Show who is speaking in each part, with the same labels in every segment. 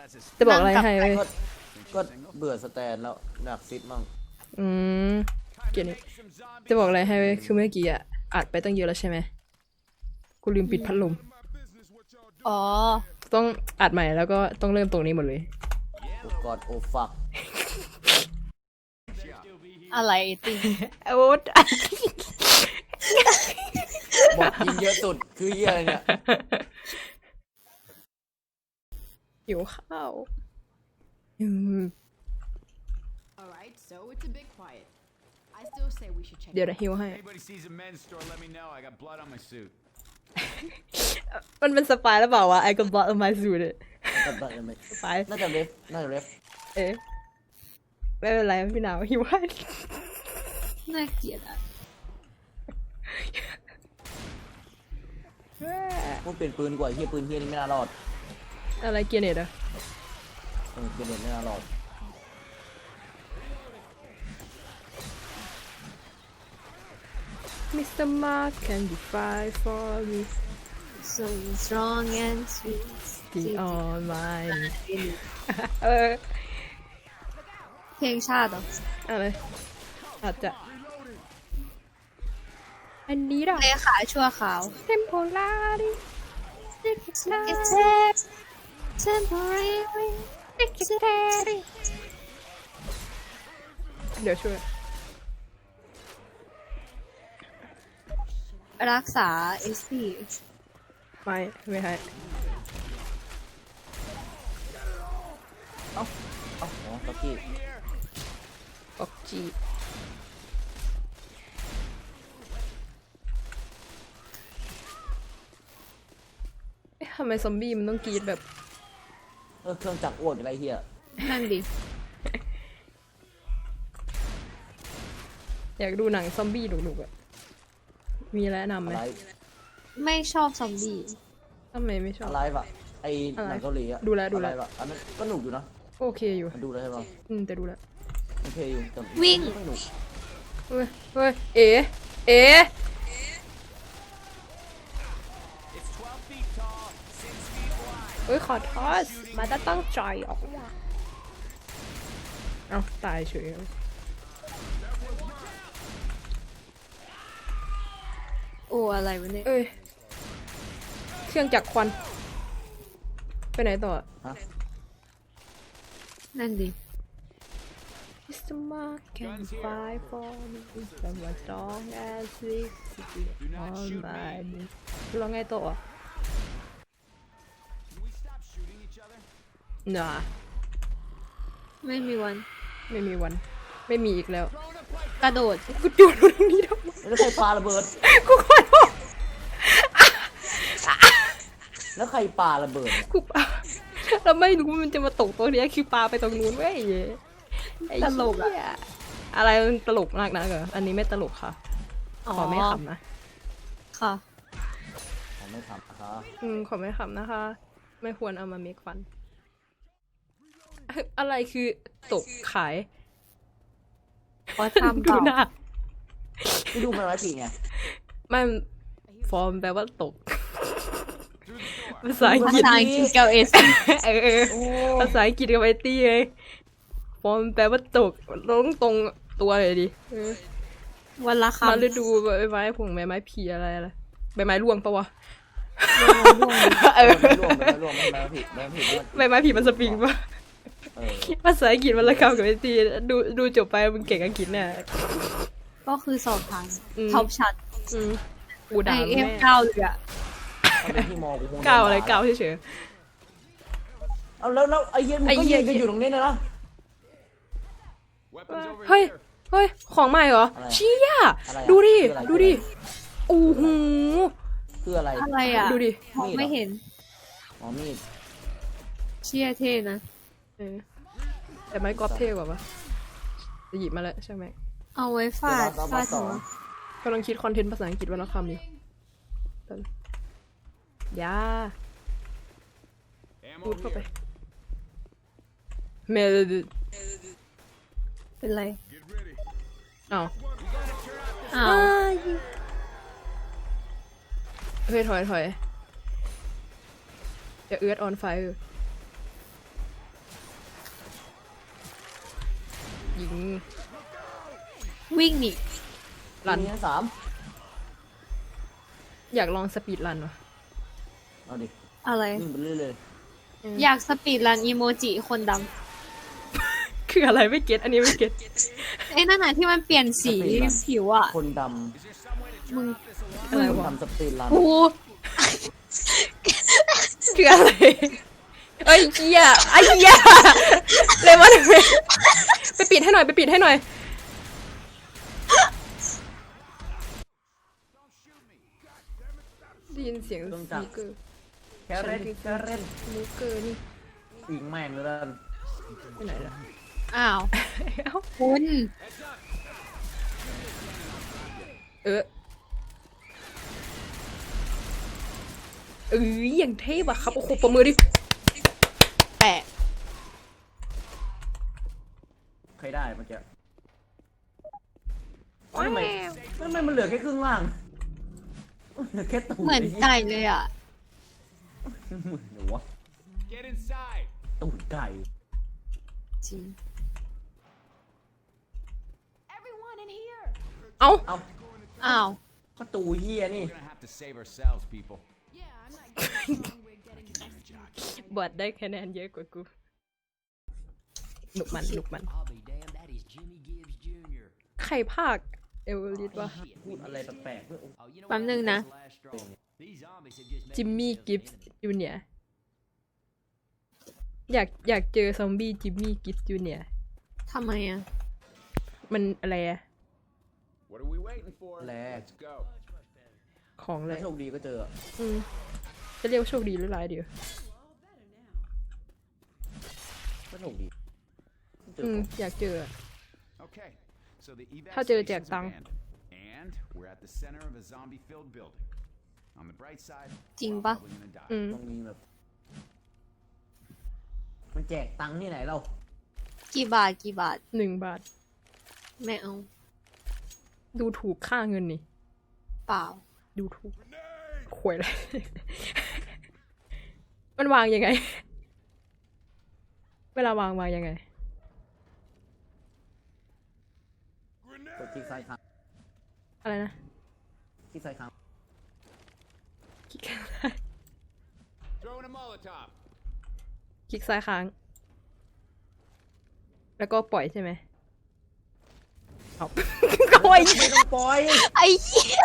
Speaker 1: จะบอกอะไรให้เว้ย
Speaker 2: ก็เบื่อสแตนแล้วอยากซิดมั่ง
Speaker 1: อืมเกียร์นี้จะบอกอะไรให้เว้ยคือเมื่อกี้อะอัดไปตั้งเยอะแล้วใช่ไหมกูลืมปิดพัดลม
Speaker 3: อ๋อ
Speaker 1: ต้องอัดใหม่แล้วก็ต้องเริ่มตรงนี้หมดเลย
Speaker 2: โอ้กอดโอ้ฟัก
Speaker 3: อะไรติ
Speaker 1: โอ๊ต
Speaker 2: บอกยิงเยอะสุดคือเหี้ยอะไรเนี่ย
Speaker 1: หิวข้าวอืม
Speaker 4: Alright, so it's a bit quiet. I still say we should check.
Speaker 1: เดี๋ยวนะหิวให้
Speaker 5: Anybody sees a men's store, let me know. I got blood on my suit.
Speaker 1: มันเป็นสปายหรือเปล่าวะไอ้กับบอสมาสูดเนี่ยสปาย
Speaker 2: น่าจะเรฟ
Speaker 1: เอ๊ะไม่เป็นไรพี่หนาวหิวให้
Speaker 3: น่าเกลียดอ่ะ
Speaker 2: พูดเปลี่ยนปืนดีกว่าเฮียปืนเฮียนี่ไม่น่ารอด
Speaker 1: อะไรเกียร์เน็ตอะ
Speaker 2: เปลี่ยนเน็ตไม่น่ารอด
Speaker 1: Mr. Mark can you fight for me
Speaker 3: so strong and sweet
Speaker 1: be on mine เออ
Speaker 3: เพลงชาติเหรอ
Speaker 1: อะไรอาจจะอันนี้ล่ะ
Speaker 3: เลขาชั่วขาว
Speaker 1: temporary
Speaker 3: temporary
Speaker 1: เดี๋ยวช่วย
Speaker 3: รักษา SP
Speaker 1: ไม่ให้
Speaker 2: อ๋อตะกี้
Speaker 1: ออกจีเอ๊ะทำไมซอมบี้มันต้องกรีดแบบ
Speaker 2: เครื่องจักรอ้วนอะไรเฮีย
Speaker 3: นั่นดิ
Speaker 1: อยากดูหนังซอมบี้ดุๆอะมีแนะนำไหม
Speaker 2: อะไร
Speaker 3: ไม่ชอบซอมบี้
Speaker 1: ทำไมไม่ชอบ
Speaker 2: อะไรวะไอหนังเกาหลีอะ
Speaker 1: ดูแล้ว
Speaker 2: อะไรวะอันนั้นก็หนุกอยู่นะ
Speaker 1: โอเคอยู่
Speaker 2: มันดูแล้วใช่ปะ
Speaker 1: แต่ดูแล้ว
Speaker 2: โอเคอยู่แต่
Speaker 3: วิ่ง
Speaker 2: ไม่หนุก
Speaker 1: เฮ้ยเอ๋
Speaker 5: It's 12 feet tall, 6 feet wide.
Speaker 1: เฮ้ยขอโทษมาจะตั้งใจออกมาเอาตายเฉย
Speaker 3: โอ้อะไรวะเนี่ย
Speaker 1: เอ้ยเครื่องจักรควันไปไหนต่อ
Speaker 2: ฮะ
Speaker 3: นั่นดิ
Speaker 1: Mr. Mark can fight for me someone strong as this on my knee ร้องไงต่อ
Speaker 5: Can we stop shooting each other?
Speaker 1: น่ะ
Speaker 3: ไม่มีวัน
Speaker 1: ไม่มีวัน ไม่มีอีกแล้ว
Speaker 3: กระโดด
Speaker 1: กูดูตรงนี้ทำไม
Speaker 2: แล้วใครปาระเบิด
Speaker 1: กูขอโทษ
Speaker 2: แล้วใครปาระเบิดเนี่ย
Speaker 1: กูปาเราไม่รู้มันจะมาตกตรงนี้คือปาไปตรงนู้นเว้ยไอ้
Speaker 3: ตลกอะ
Speaker 1: เหี้ยอะไรมันตลกมากนะเหรออันนี้ไม่ตลกค่ะ ขอไม่ขำนะ
Speaker 3: ค่ะ
Speaker 2: ผมไม่ทำนะคะ
Speaker 1: ขอไม่ขำนะคะ ไม่ควรเอามาเมคฟัน อะไรคือตกขาย
Speaker 3: ขอทำ
Speaker 1: ดู
Speaker 3: เปล่า
Speaker 1: หน้า
Speaker 2: ที่ดูมันไว้ปีไง
Speaker 1: ไม่ฟอร์มแปลว่าตก ภาษาอัง
Speaker 3: ภาก
Speaker 1: ฤษ
Speaker 3: ษาอังกฤษกับเอส
Speaker 1: ภาษาอังกฤษกับไอตี้ไงฟอร์มแปลว่าตกลงตรงตัวเลยดิ
Speaker 3: วันละคำ
Speaker 1: มาฤดูใบไม้ผงใบไม้ผีอะไรใบไม้ร่วงปะวะ
Speaker 2: ไม่ร่วมไม่
Speaker 1: ใบไม้ผีมันสปริงปะ
Speaker 2: เออ
Speaker 1: ภาษาอังกฤษมันละคำกับไอตี้ดูจบไปมึงเก่งอังกฤษแน่
Speaker 3: ก็คือสอบผ่านท็อปชัด
Speaker 1: กู
Speaker 3: ไอ
Speaker 1: ด่า
Speaker 3: เอฟ
Speaker 1: แม่
Speaker 3: เก้าเลยอะ
Speaker 2: ถ้าเป็นที่มอกูคง
Speaker 1: ก้าวอะไรก้าวเฉย
Speaker 2: เอาแล้วไอ้เหี้ยมันก็ยืนกันอยู่ตรงนี้นะ
Speaker 5: Weapons over
Speaker 1: เฮ้ย
Speaker 5: here.
Speaker 1: เฮ้ยของใหม่เหรอ
Speaker 2: อะไร
Speaker 1: เชี่ย
Speaker 2: อะไรอะ
Speaker 1: ดูดิ
Speaker 2: คืออะไร
Speaker 1: ดูดิโอ้โห
Speaker 2: คืออะไร
Speaker 3: อะไรอะ
Speaker 1: ดูดิ
Speaker 3: มองไม่เห็น
Speaker 2: อ๋อมีด
Speaker 3: เชี่ยเท่นะ
Speaker 1: แต่ไม้กอล์ฟเท่กว่าปะจะหยิบมาแล้วใช่ไหม
Speaker 3: เอาไว้ฟาดฟาดหัว
Speaker 1: กำลังคิดคอนเทนต์ภาษาอังกฤษวันละคำอยู่ยา
Speaker 5: Ammo
Speaker 1: พูดเข้าไป
Speaker 5: here.
Speaker 1: เมล
Speaker 3: เป็นไร
Speaker 5: Get ready.
Speaker 1: อ้าว
Speaker 3: อ้าว
Speaker 1: เฮ้ยถอยอย่าเอื้อออนไฟยิง
Speaker 3: วิ่งหนี
Speaker 1: รัน
Speaker 2: มีทั้งสาม
Speaker 1: อยากลองสปีดรันวะ
Speaker 2: เอาดิ
Speaker 3: อะไร
Speaker 2: วิ่งไปเรื่อยเลย
Speaker 3: อยากสปีดรันอีโมจิคนด
Speaker 1: คืออะไรไม่เก็ตอันนี้ไม่เก็ต
Speaker 3: ำไอ้นั่นน่ะที่มันเปลี่ยนสีผิวอ่ะ
Speaker 2: คนด
Speaker 3: มึง
Speaker 1: อะไร
Speaker 2: ำคน
Speaker 1: วะ
Speaker 2: ทำสปีดรัน
Speaker 3: กู
Speaker 1: คืออะไรเอ้ยเหี้ยไอ้เหี้ยเลยว่าไปปิดให้หน่อยไปปิดให้หน่อยได้ยินเสียงสปีกเกอร์
Speaker 2: แคเรนแคเรน
Speaker 1: สปีกเกอร์นี่
Speaker 2: ยิงแม่งเลยแล้วกัน
Speaker 1: ไปไหนล่ะ
Speaker 3: อ้าว
Speaker 1: เอ้า
Speaker 3: คุณ
Speaker 1: เอออย่างเทพอะครับโอ้โหประมือดิแปะ
Speaker 2: ใครได้เมื่อกี้ทำไมมันเหลือแค่ครึ่งล่างเหลือแค่ตูด
Speaker 3: เหมือนไก่เลยอ่ะ
Speaker 2: เหมือนหนูวะ
Speaker 5: Get inside.
Speaker 2: ตูดไก่
Speaker 3: จริง
Speaker 4: Everyone in here.
Speaker 1: เอ้า
Speaker 2: เอา
Speaker 3: อ้าว
Speaker 2: ประตูเฮียนี่
Speaker 5: We're gonna have to save ourselves, people.
Speaker 4: Yeah, I'm not getting along with getting this.
Speaker 1: บอดได้คะแนนเยอะกว่ากูหนุกมันหนุกมัน
Speaker 6: I'll be damned, that is Jimmy Gibbs Jr.
Speaker 1: ใครภาคเอเวอร์ลิสวะ
Speaker 2: พูดอะไรแปลกๆด้วย
Speaker 6: Oh, you know
Speaker 3: แป๊บนึงนะ
Speaker 6: what's the last straw? These zombies have just made
Speaker 1: จิมมี่
Speaker 6: themselves
Speaker 1: กิฟ
Speaker 6: an
Speaker 1: ส์
Speaker 6: enemy.
Speaker 1: จูเนียร์อยากเจอซอมบี้จิมมี่กิฟส์จูเนียร์
Speaker 3: ทำไมอ่ะ
Speaker 1: มันอะไรอะ
Speaker 5: What are we waiting for?
Speaker 2: Lag.
Speaker 5: Let's go.
Speaker 1: ของอะไร
Speaker 2: ถ้าโชคดีก็เจอ
Speaker 1: จะเรียกว่าโชคดีหรือร้ายเดียว
Speaker 2: ก็โชคดีเจอ
Speaker 1: อยากเจออะ
Speaker 5: Okay. So the
Speaker 1: ถ้าเจอแจก
Speaker 5: evac
Speaker 1: ตังค์
Speaker 5: abandoned, and we're at the center of a zombie-filled building. On the bright side,
Speaker 3: จริง
Speaker 5: we're
Speaker 3: ปะ
Speaker 5: probably gonna die.
Speaker 2: ต้องมีแบบ มันแจกตังค์ที่ไหนเรา
Speaker 3: กี่บาทกี่บาท
Speaker 1: 1 บาท
Speaker 3: ไม่เอา
Speaker 1: ดูถูกค่าเงินนี่
Speaker 3: เปล่า
Speaker 1: ดูถูกขวยเลย มันวางยังไง เวลาวางยังไง
Speaker 2: กดคลิกซ้ายค้าง
Speaker 1: อะไรนะ
Speaker 2: คลิกซ้ายค้าง
Speaker 1: คลิกซ้าย
Speaker 5: Throwing a Molotov.
Speaker 1: คลิกซ้ายค้าง แล้วก็ปล่อยใช่ไหมเอา โอ้ย
Speaker 2: ไม่ต้องปล่อย
Speaker 3: ไอ้เหี้ย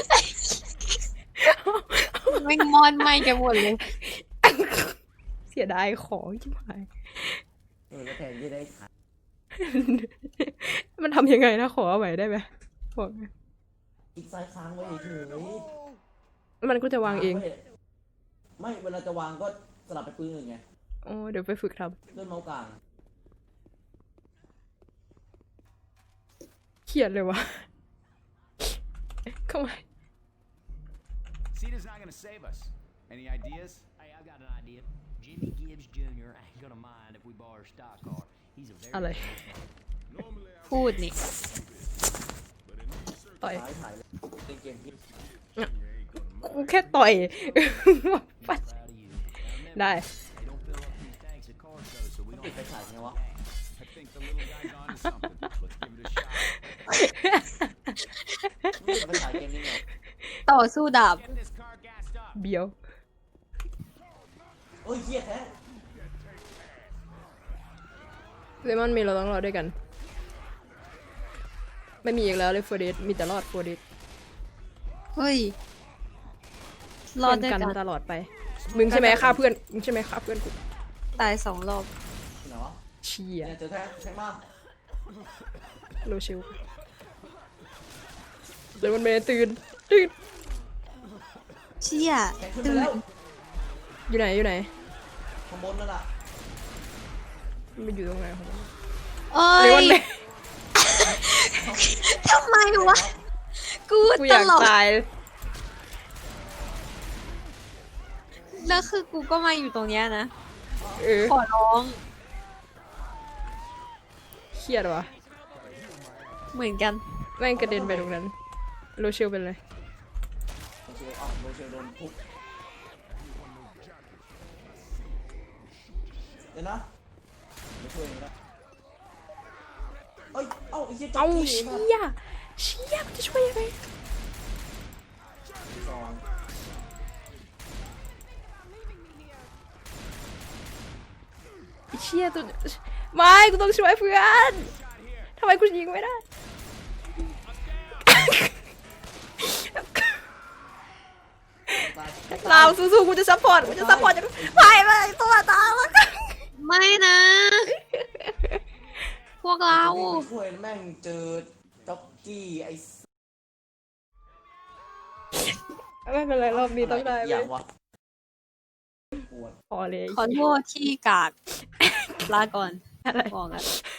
Speaker 3: แม่งมอนไหมกันหมดเลย
Speaker 1: เสียดายของชิบหาย
Speaker 2: แล้วแทนที่ได้ขาย
Speaker 1: มันทำยังไงนะขอเอาไว้ได้ไหมบอก
Speaker 2: คลิกซ้ายค้างไว้เฉย
Speaker 1: มันก็จะวางเอง
Speaker 2: ไม่เวลาจะวางก็สลับไปปืนอื่นไง
Speaker 1: อ๋อ เดี๋ยวไปฝึกท
Speaker 2: เลื่อนเมาส์กลาง
Speaker 1: ำเครียดเลยวะ เข้ามา
Speaker 5: Cena's not gonna save us. Any ideas?
Speaker 6: Hey, I've got an idea. Jimmy Gibbs Jr. ain't gonna mind if we borrow a stock car. He's a very
Speaker 1: อะไร
Speaker 3: พูดนี่
Speaker 1: ต่อย
Speaker 2: ซ้ายถ่ายเลยในเกมที่
Speaker 1: กูแค่ต่อย ปัด
Speaker 6: proud of you. Now remember,
Speaker 1: ได้
Speaker 6: they don't fill up these tanks of car shows, so we
Speaker 2: ปิด
Speaker 6: don't
Speaker 2: ไปฉายไงวะ
Speaker 5: I think the little guy's onto something. Let's give it a shot.
Speaker 2: ปิดไปฉายเกมนี้ไง
Speaker 3: ต่อสู้ดาบ
Speaker 5: Get this car gassed up.
Speaker 1: เบียว
Speaker 2: โอ้ยเหี้ยแท้
Speaker 1: เลมอนมีเราต้องรอด้วยกัน ไม่มีอีกแล้วเลยโฟเดสมีแต่รอดโฟเดส
Speaker 3: เฮ้ย รอดด้วย
Speaker 1: กั
Speaker 3: กัน
Speaker 1: นตลอดไป มึงใช่ไหมฆ่าเพื่อน มึงใช่ไหมฆ่าเพื่อนกู
Speaker 3: ตาย2 รอบ
Speaker 2: ที่ไหนวะ
Speaker 1: เชีย
Speaker 2: เนี่ยเจอแท้งมาก
Speaker 1: โลชิลเลมอนเมย์ตื่น ตื่น
Speaker 3: เชี่ย
Speaker 2: แข็งขึ้นไป
Speaker 3: ตื่น
Speaker 2: แล้ว
Speaker 1: อยู่ไหน อยู่ไหน
Speaker 2: ข้างบนนั่นแหละ
Speaker 1: มันอยู่ตรงไหนของมัน
Speaker 3: โอ้
Speaker 1: เลมอย นเมย์
Speaker 3: ทำไมวะ กู
Speaker 1: กูอ
Speaker 3: ต
Speaker 1: ยาก
Speaker 3: ลก
Speaker 1: ตาย
Speaker 3: แล้วคือกูก็มาอยู่ตรงเนี้ยนะ
Speaker 1: เออ
Speaker 3: ขอร้อง
Speaker 1: เครียดวะ
Speaker 3: เหมือนกัน
Speaker 1: แม่งกระเด็นไปตรงนั้น โลชิลเป็นไร
Speaker 2: โรเชลโดนทุบเดี๋ยวนะไม่ช่วยนะเอ้ยเอ้าไอ้เหี้ยจ็
Speaker 1: เอา
Speaker 2: อกกี้
Speaker 1: เชี่ยเชี่ยมันจะช่วยยังไง
Speaker 2: สอง
Speaker 1: ไอ้เชี่ยตัวไม่กูต้องช่วยเพื่อนทำไมกูยิงไม่ได้ เราสู้ๆกูจะซัพพอร์ตกูจะซัพพอร์ตอย่างไม่ตัวตามแล้วกัน
Speaker 3: ไม่นะ พวกเรา
Speaker 2: ช่วยแม่งเจอจ็อกกี้ไอ้
Speaker 1: ไม่เป็นไรรอบนี้ต้องได้
Speaker 2: อ
Speaker 1: เล
Speaker 2: ย่าย งวะปวด
Speaker 1: พอเลย
Speaker 3: ขอโทษที่กากลาก่อน
Speaker 1: อะไร
Speaker 3: บอกกัน